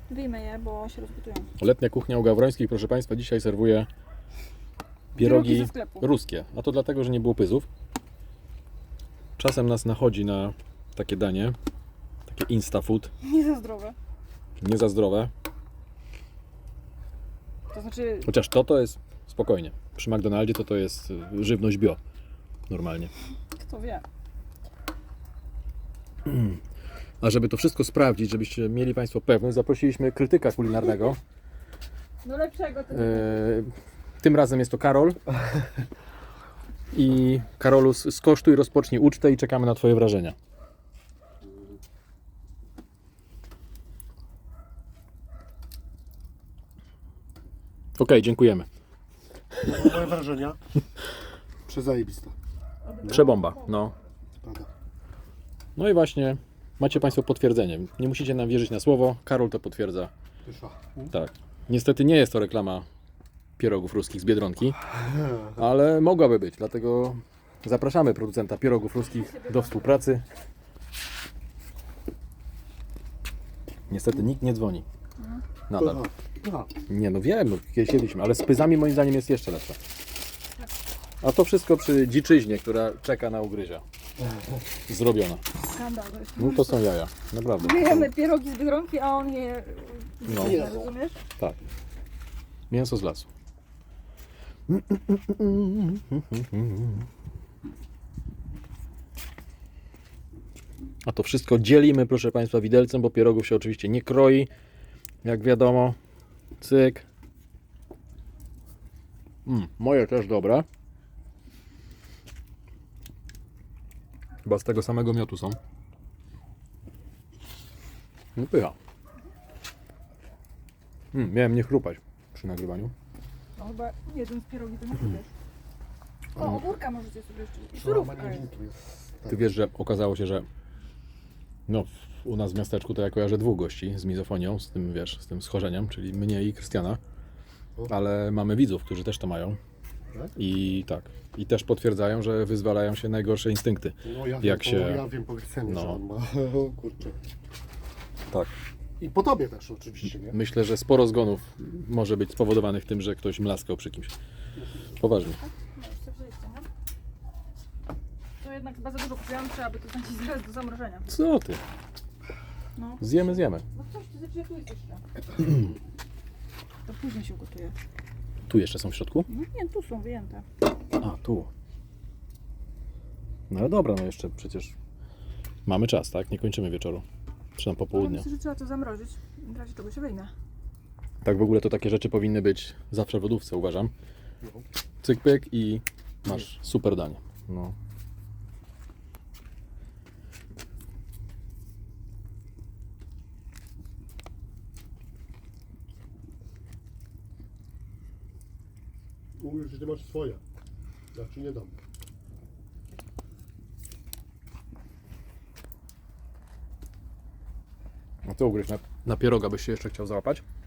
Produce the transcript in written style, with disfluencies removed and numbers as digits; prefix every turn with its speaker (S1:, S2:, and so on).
S1: Wyjmę je, bo się rozgotują.
S2: Letnia kuchnia u Gawrońskich, proszę Państwa, dzisiaj serwuje
S1: Pierogi
S2: pierogi
S1: ze sklepu.
S2: ruskie. A to dlatego, że nie było pyzów. Czasem nas nachodzi na takie danie, takie insta food,
S1: Nie za zdrowe.
S2: nie za zdrowe.
S1: To znaczy,
S2: Chociaż to jest spokojnie. Przy McDonaldzie to jest żywność bio. Normalnie.
S1: kto wie.
S2: A żeby to wszystko sprawdzić, żebyście mieli Państwo pewność, zaprosiliśmy krytyka kulinarnego.
S1: No lepszego to
S2: Tym razem jest to Karol. I Karolu, skosztuj, rozpocznij ucztę i czekamy na Twoje wrażenia. Okej, dziękujemy.
S3: Moje wrażenia? Przezajebiste.
S2: Przebomba, no.
S3: Prawda.
S2: No i właśnie macie Państwo potwierdzenie. Nie musicie nam wierzyć na słowo. Karol to potwierdza.
S3: Wyszła.
S2: Tak. Niestety nie jest to reklama pierogów ruskich z Biedronki, ale mogłaby być, dlatego zapraszamy producenta pierogów ruskich do współpracy. Niestety nikt nie dzwoni. Nadal.
S3: Aha.
S2: Nie no wiem, no, kiedyś jedliśmy, ale z pyzami moim zdaniem jest jeszcze lepsze. A to wszystko przy dziczyźnie, która czeka na ugryzia. Zrobiona.
S1: skandal. To jest.
S2: No to są jaja, naprawdę.
S1: My jemy pierogi z Biedronki, a on je...
S2: No.
S1: Rozumiesz?
S2: Tak. Mięso z lasu. A to wszystko dzielimy, proszę Państwa, widelcem, bo pierogów się oczywiście nie kroi. Jak wiadomo. Cyk. Moje też dobre. Chyba z tego samego miotu są. No pycha. Miałem nie chrupać przy nagrywaniu.
S1: No chyba jeden z pierogi to nie wiesz. O, ogórka możecie sobie jeszcze. I
S3: No,
S1: surówka jest.
S3: tu jest.
S2: Ty wiesz, że okazało się, że no, u nas w miasteczku to ja kojarzę 2 gości z mizofonią, z tym, wiesz, z tym schorzeniem, czyli mnie i Krystiana, ale mamy widzów, którzy też to mają.
S3: Tak?
S2: I tak, i też potwierdzają, że wyzwalają się najgorsze instynkty.
S3: No ja
S2: Jak
S3: wiem,
S2: się-
S3: ja wiem po Krystianie,
S2: No.
S3: że on ma. O kurczę.
S2: Tak.
S3: I po tobie też oczywiście, nie?
S2: Myślę, że sporo zgonów może być spowodowanych tym, że ktoś mlaskał przy kimś. Poważnie.
S1: No, jeszcze przejście, nie? To jednak chyba za dużo kupiłam, trzeba by to znać zaraz do zamrożenia.
S2: Co ty?
S1: No.
S2: Zjemy.
S1: No coś, ty znaczy, tu jest jeszcze. To później się ugotuje.
S2: Tu jeszcze są w środku?
S1: No nie, tu są wyjęte.
S2: A, tu. No ale dobra, no jeszcze przecież mamy czas, tak? Nie kończymy wieczoru. Czy tam
S1: No,
S2: popołudnia.
S1: myślę, że trzeba to zamrozić. W razie czego się wyjmie.
S2: Tak w ogóle to takie rzeczy powinny być zawsze w lodówce, uważam. Cyk, pyk i masz super danie. No.
S3: Mówisz, że ty masz swoje. Ja ci nie dam.
S2: A co ugryźć? Na pieroga byś się jeszcze chciał załapać?